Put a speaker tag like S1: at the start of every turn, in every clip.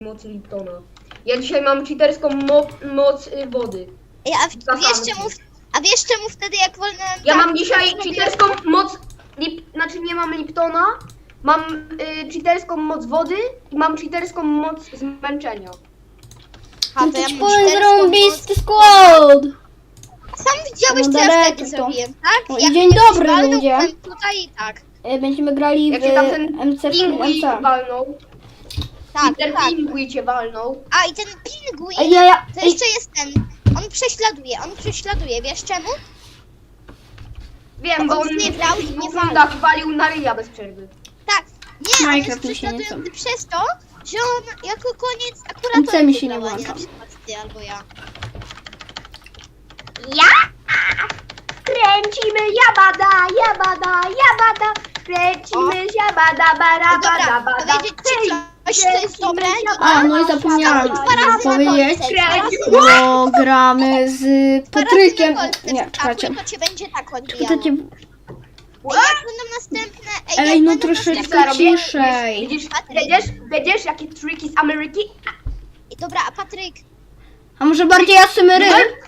S1: mocy Liptona. Ja dzisiaj mam cheaterską moc wody.
S2: Ej, a wiesz czemu wtedy jak wolnałem...
S1: Ja mam dzisiaj cheaterską moc... Znaczy nie mam Liptona, mam cheaterską moc wody i mam cheaterską moc zmęczenia.
S2: A,
S3: No
S2: to
S3: to
S2: ja
S3: ci
S2: mam
S3: powiem
S2: cheaterską
S3: zarąbisty skład!
S2: Sam widziałeś,
S3: No
S2: co ja
S3: daleko
S2: wtedy
S3: to.
S2: zrobiłem, tak?
S3: No i
S2: Jak
S3: dzień
S2: mnie
S3: dobry,
S2: zwalnął,
S3: ludzie.
S2: byłem tutaj i tak.
S3: Będziemy grali
S1: Jak
S3: w
S1: się tam ten
S3: MC
S1: pingui
S3: MC.
S1: walnął.
S2: Tak,
S1: Ten
S2: tak.
S1: pingui cię walnął.
S2: A i ten pingwin,
S3: Ej,
S2: to jeszcze jest ten. On prześladuje, wiesz czemu?
S1: Wiem, bo
S2: On
S1: on
S2: nie brał i nie
S1: w
S2: walnął.
S1: rundach walił na ryja bez przerwy.
S2: Tak, nie, on jest
S3: Minecraft mi się nie
S2: prześladujący przez to, że on jako koniec akurat
S3: MC
S2: on
S3: mi się
S2: wygrał,
S3: nie
S2: a
S3: włącza.
S2: na przykład ty albo ja.
S1: Ja! Kręcimy jabada, kręcimy jabada, bara,
S2: Dobra, powiedzieć ci coś, co jest dobre?
S3: A, no i zapomniałam
S2: Dwa razy na
S3: powiedzieć,
S2: kolce, dwa razy
S3: bo gramy z Patrykiem.
S2: dwa razy na kolce
S3: Nie,
S2: wskakuj,
S3: czekajcie.
S2: to cię będzie tak odbijało.
S3: Czekajcie.
S2: Ej, jak będą następne...
S3: Ej,
S2: jak
S3: no
S2: będą
S3: troszeczkę
S2: następne-
S3: ciszej.
S1: Widzisz,
S2: Patryk.
S1: będziesz jakie triki z Ameryki?
S2: Ej, dobra, a Patryk,
S3: A może bardziej asymery?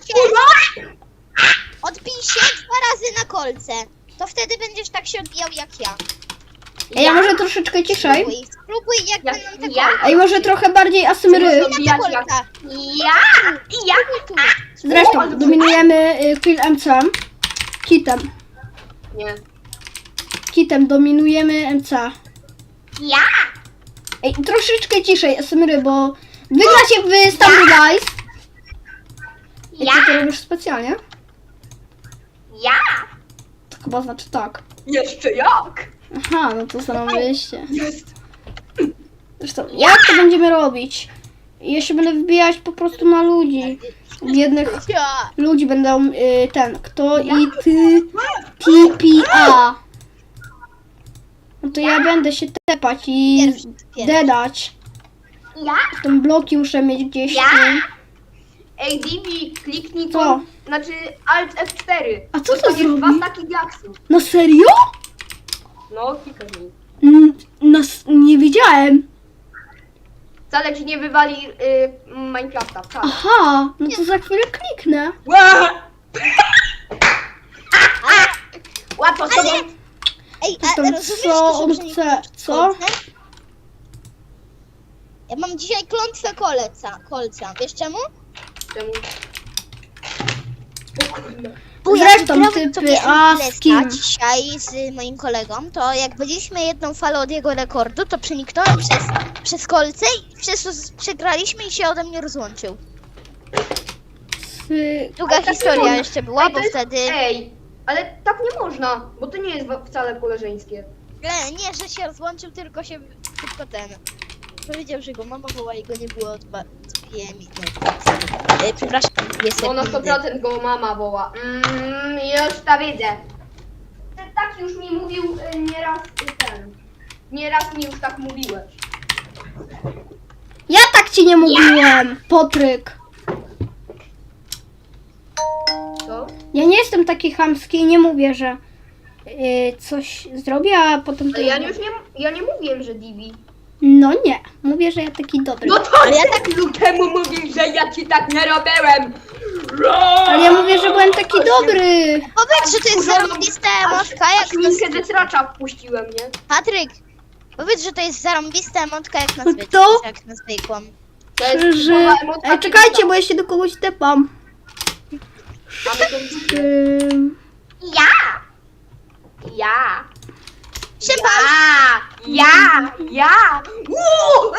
S2: odbij się 2 razy na kolce. To wtedy będziesz tak się odbijał jak ja.
S3: Ej, a może troszeczkę ciszej?
S2: Spróbuj jak
S1: Jak
S2: będą te
S1: ja?
S2: kolce.
S3: Ej, może trochę bardziej asymery?
S2: Na te
S1: Odbijać
S2: kolce.
S1: Ja!
S2: Tu.
S3: Zresztą dominujemy Kill MC. Kitem.
S1: Nie.
S3: Kitem dominujemy MC.
S1: Ja!
S3: Ej, troszeczkę ciszej asymery, bo wygra się w Standardize. Ej,
S1: Ja!
S3: ty to robisz specjalnie?
S1: Ja!
S3: To chyba znaczy tak.
S1: Jeszcze jak?
S3: Aha, no to zarobiliście.
S1: Jest!
S3: Zresztą, jak to będziemy robić? Ja się będę wbijać po prostu na ludzi. Biednych
S2: Ja.
S3: ludzi będą kto i ty TPA. No to ja będę się tepać i
S2: Pierwszy.
S3: dedać.
S1: Ja!
S3: Ten bloki muszę mieć gdzieś
S1: Ja?
S3: tu.
S1: Ej, Divi, kliknij
S3: Co?
S1: to. Znaczy Alt F4.
S3: A co to
S1: Dostaniesz
S3: zrobi?
S1: 2 staki diaksów.
S3: No serio?
S1: No, klikaj mi.
S3: Nie wiedziałem.
S1: Wcale ci nie wywali Minecrafta, wcale.
S3: Aha, no to za chwilę kliknę.
S1: Łatwo z tobą.
S2: Ej,
S3: To
S2: a
S3: tam
S2: rozumiesz
S3: co
S2: to,
S3: on
S2: że
S3: chce? Co?
S2: Ja mam dzisiaj klątwę kolca. Wiesz czemu?
S1: Czemu? O kurde.
S2: Bo
S3: Zresztą
S2: grałem
S3: typy,
S2: sobie
S3: a
S2: MLS-a
S3: z kim?
S2: dzisiaj z moim kolegą, to jak byliśmy jedną falę od jego rekordu, to przeniknąłem przez kolce i przez to przegraliśmy i się ode mnie rozłączył. Długa
S1: Ale tak nie
S2: historia
S1: można.
S2: jeszcze była,
S1: Ej, to
S2: bo
S1: jest-
S2: wtedy...
S1: Ej, ale tak nie można, bo to nie jest wcale koleżeńskie.
S2: Nie, że się rozłączył, tylko ten... Powiedział, że go mama woła i go nie było od 2 minut. Przepraszam, jest
S1: No na 100% go mama woła. Już to widzę. Tak już mi mówił nieraz ten. Nieraz mi już tak mówiłeś.
S3: Ja tak ci nie mówiłem, Patryk.
S1: Co?
S3: Ja nie jestem taki chamski i nie mówię, że coś zrobię, a potem to...
S1: Ale ja nie mówiłem, że Divi.
S3: No nie, mówię, że ja taki dobry.
S1: No to ja tak temu mówię, że ja ci tak nie robiłem.
S3: Ale ja mówię, że byłem taki dobry.
S2: Powiedz, że to jest zarąbista emotka, jak na...
S1: Minkę ze stracza wpuściłem, nie?
S2: Patryk! Powiedz, że to jest zarąbista emotka, jak na
S3: To?
S2: jak na zwykłą.
S1: To jest
S3: Że...
S1: typowa emotka
S3: Ej, czekajcie,
S1: Divi'a.
S3: bo ja się do kogoś tepam.
S1: Mamy to widzę. Ja! Ja!
S2: Szymon!
S1: Ja! Uuu!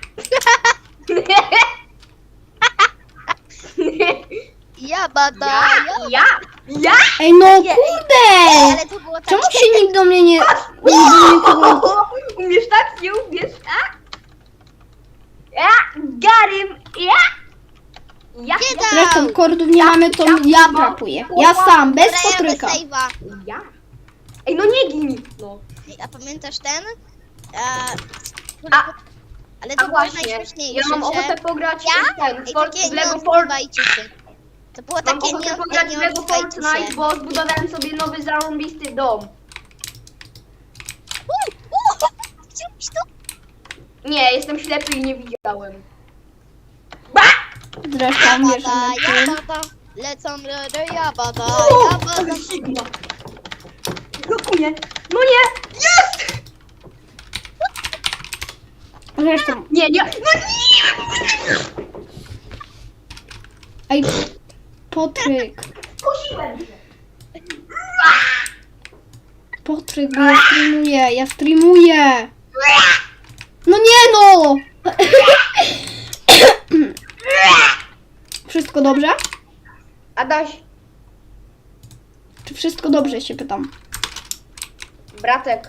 S2: Ja bada!
S1: Ja!
S3: Ej, no
S2: Nie,
S3: kurde!
S2: Ale to było tak...
S3: Czemu się nikt do mnie nie... nikogo...
S1: Umiesz tak? Nie umiesz tak? Ja! Garym! Ja!
S2: Nie da!
S3: Zresztą kordów nie mamy, to ja trapuję. Ja sam, bez
S2: Dobra, ja
S3: Patryka.
S2: bez save'a.
S1: Ja! Ej, no nie gin! No.
S2: A pamiętasz ten?
S1: A-
S2: Ale to
S1: A
S2: było
S1: właśnie,
S2: najśmieszniejsze,
S1: ja mam
S2: że...
S1: ochotę pograć
S2: Ja?
S1: w ten,
S2: Ej,
S1: Fort,
S2: takie
S1: w
S2: nie
S1: Lego Fort.
S2: odzywajcie się. To było
S1: Mam
S2: takie
S1: ochotę pograć w
S2: nie
S1: Lego
S2: odzywajcie
S1: Fortnite,
S2: się.
S1: bo zbudowałem sobie nowy zarąbisty dom.
S2: Chciałbyś to?
S1: Nie, jestem ślepy i nie widziałem.
S3: Zresztą wiesz,
S2: Jabada,
S3: że
S2: jabada, lecą do jabada, jabada.
S1: Sigma. Blokuję. No nie! Jest!
S3: Zresztą,
S1: Nie, nie. No nie!
S3: ej, Patryk,
S1: Kusiłem się.
S3: Patryk, bo ja streamuję. No nie no! Wszystko dobrze?
S1: Adaś,
S3: Czy wszystko dobrze, się pytam.
S1: bratek.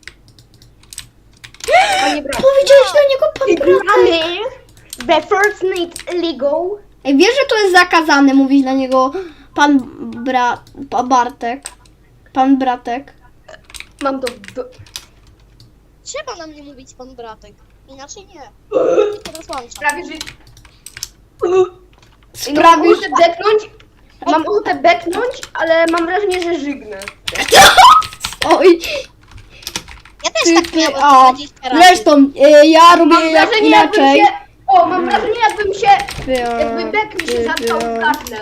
S1: Panie brat.
S3: Powiedziałeś do niego pan bratek.
S1: Gramy we Fortnite League.
S3: Ej, wiesz, że to jest zakazane mówić dla niego Bartek? Pan bratek.
S1: Mam to
S2: Trzeba na mnie mówić pan bratek. Inaczej nie. Rozłączam.
S1: prawie, że...
S3: Sprawisz...
S1: Mam ochotę beknąć, ale mam wrażenie, że żygnę.
S3: Oj,
S2: Ja też
S3: ty,
S2: tak
S3: ty,
S2: miałem
S3: o.
S2: 20 razy.
S3: Zresztą, ja robię
S1: Mam
S3: jak
S1: wrażenie, jakbym
S3: inaczej.
S1: się... mam wrażenie, jakby bek mi się zatkał w gardle.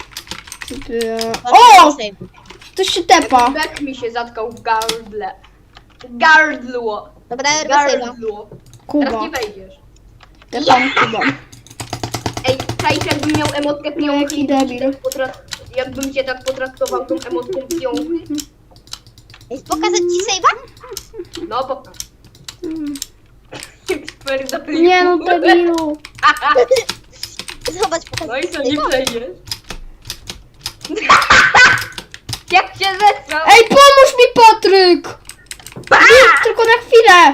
S3: O! Ktoś się tepa.
S1: Bek mi się zatkał w gardle. Gardło.
S2: Dobra, Erwasejwa.
S1: Gardło. Teraz
S3: Kuba.
S1: nie wejdziesz.
S3: Tepam Kuba.
S1: Ej, czaisz, jakbym miał emotkę piąchy
S3: Jaki
S1: i
S3: debil.
S1: jakbym cię tak potraktował tą emotką piąchy?
S2: Pokazać ci save'a?
S1: No pokaż.
S3: Mm.
S1: Super zaplił.
S3: Nie no, debilu.
S2: Zobacz, pokazać
S1: No i
S2: ci
S1: co, nie
S2: save'a.
S1: przejdziesz? Jak się zesrał!
S3: Ej, pomóż mi, Patryk! Tylko na chwilę.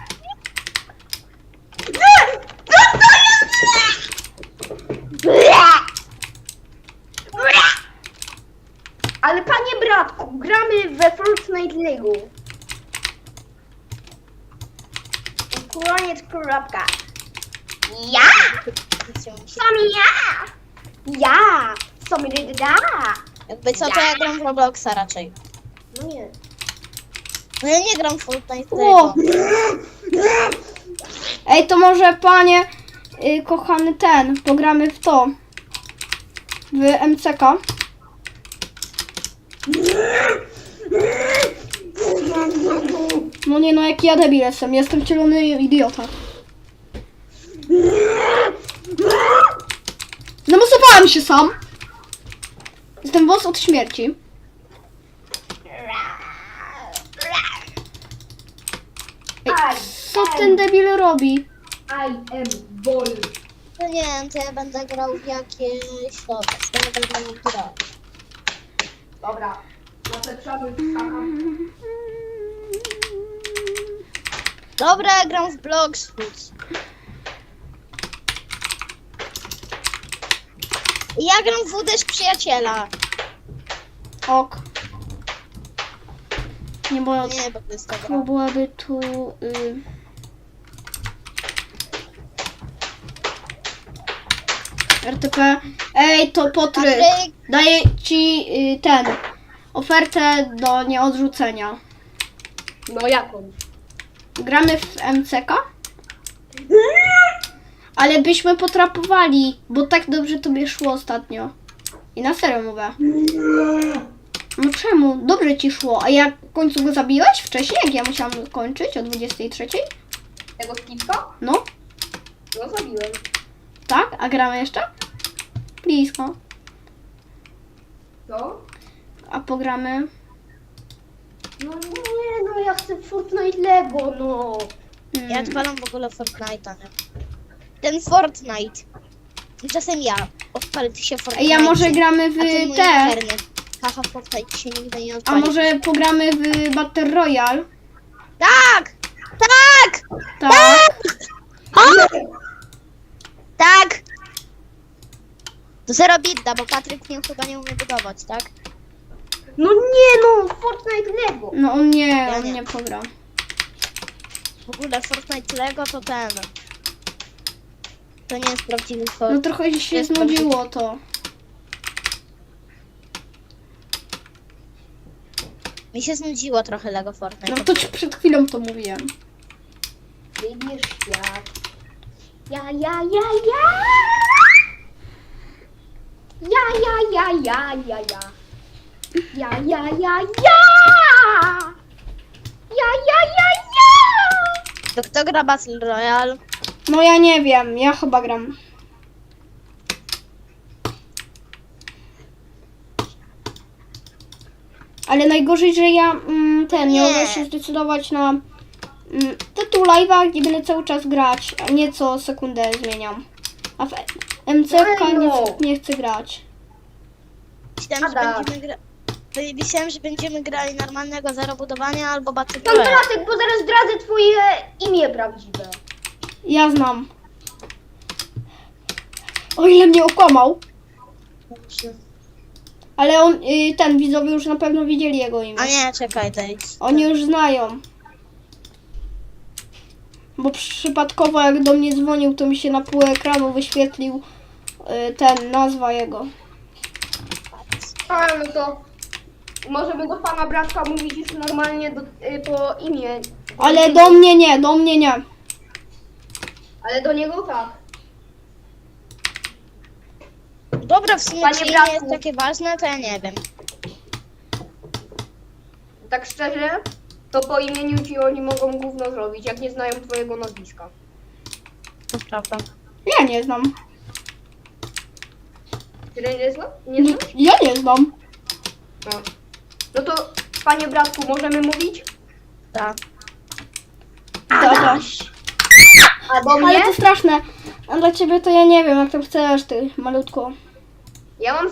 S1: Ale panie bratku, gramy we Fortnite League. Koniec kropka. Ja! Sam ja! Ja! Sam da!
S2: Jakby co, to ja gram w Robloxa raczej.
S1: No nie.
S2: No ja nie gram w Fortnite.
S3: O! Ej, to może panie, kochany pogramy w to. W MCK. No nie no, jaki ja debil jestem cielony idiota. Zamosowałem się sam. Jestem wąs od śmierci. Ej, co ten debil robi?
S1: I am ball.
S2: No nie wiem, to ja będę grał w jakieś... Dobra, będę grał w grę.
S1: Dobra. Zapraszamy skakam.
S2: Dobra, ja gram w Bloxfoot. Ja gram w Uderz Przyjaciela.
S3: Ok. Nie, bo
S2: Nie, bo to jest to gra.
S3: to byłaby tu... RTP. Ej, to Patryk.
S2: Patryk.
S3: Daję ci ofertę do nieodrzucenia.
S1: No jaką?
S3: Gramy w MCK? Ale byśmy potrapowali, bo tak dobrze tobie szło ostatnio. I na serio mówię. No czemu? Dobrze ci szło. A jak w końcu go zabiłeś wcześniej, jak ja musiałam kończyć o 23?
S1: Tego skipka?
S3: No,
S1: No zabiłem.
S3: tak? A gramy jeszcze? Blisko.
S1: Co?
S3: A pogramy...
S1: No nie, no ja chcę Fortnite Lego, no.
S2: Ja odpalam w ogóle Fortnite'a, nie? Ten Fortnite. Tymczasem ja. Odpalę ty się Fortnite.
S3: Ej, ja może gramy w
S2: A ten mój
S3: te...
S2: internet. Haha, Fortnite się nigdy nie
S3: A
S2: odpali.
S3: może pogramy w Battle Royale?
S2: Tak! Tak!
S3: Tak.
S2: Tak! To zero bidda, bo Patryk mnie chyba nie umie budować, tak?
S1: No nie, no Fortnite Lego.
S3: No on
S2: Ja
S3: on
S2: nie.
S3: nie pogra.
S2: W ogóle Fortnite Lego to ten. To nie jest prawdziwy
S3: No
S2: Fortnite.
S3: trochę się
S2: Jest
S3: znudziło to.
S2: Mi się znudziło trochę Lego Fortnite.
S3: No to ci przed chwilą to mówiłem.
S1: Wybierz się. świat. Ja. Ja.
S2: To kto gra Battle Royale?
S3: No ja nie wiem, ja chyba gram. Ale najgorzej, że ja nie
S2: Nie.
S3: mogę się zdecydować na tytuł live'a, gdzie będę cały czas grać, a nie co sekundę zmieniam. A w MCK nie chcę grać.
S2: Myślałem, że będziemy grali normalnego zarobudowania albo Battle
S1: Pan
S2: Royale.
S1: Bratek, bo zaraz zdradzę twoje imię prawdziwe.
S3: Ja znam. O ile mnie okłamał. Ale on, ten widzowie już na pewno widzieli jego imię.
S2: A nie, czekaj, to idź.
S3: Oni już znają. Bo przypadkowo jak do mnie dzwonił, to mi się na pół ekranu wyświetlił nazwa jego.
S1: A, no to możemy do pana Bratka mówić już normalnie po imię.
S3: Ale do mnie nie.
S1: Ale do niego tak.
S2: Dobra, w sumie
S1: Panie
S2: czy nie
S1: Bratku.
S2: jest takie ważne, to ja nie wiem.
S1: Tak szczerze, to po imieniu ci oni mogą gówno zrobić, jak nie znają twojego nazwiska.
S2: To prawda.
S3: Ja nie znam.
S1: Ty nie znasz? Nie znasz?
S3: Ja nie znam.
S1: No to, panie Bratku, możemy mówić?
S2: Tak.
S3: Dobra.
S1: A do mnie?
S3: Ale to straszne. A dla ciebie to ja nie wiem, jak tam chcesz, ty malutko.
S1: Ja mam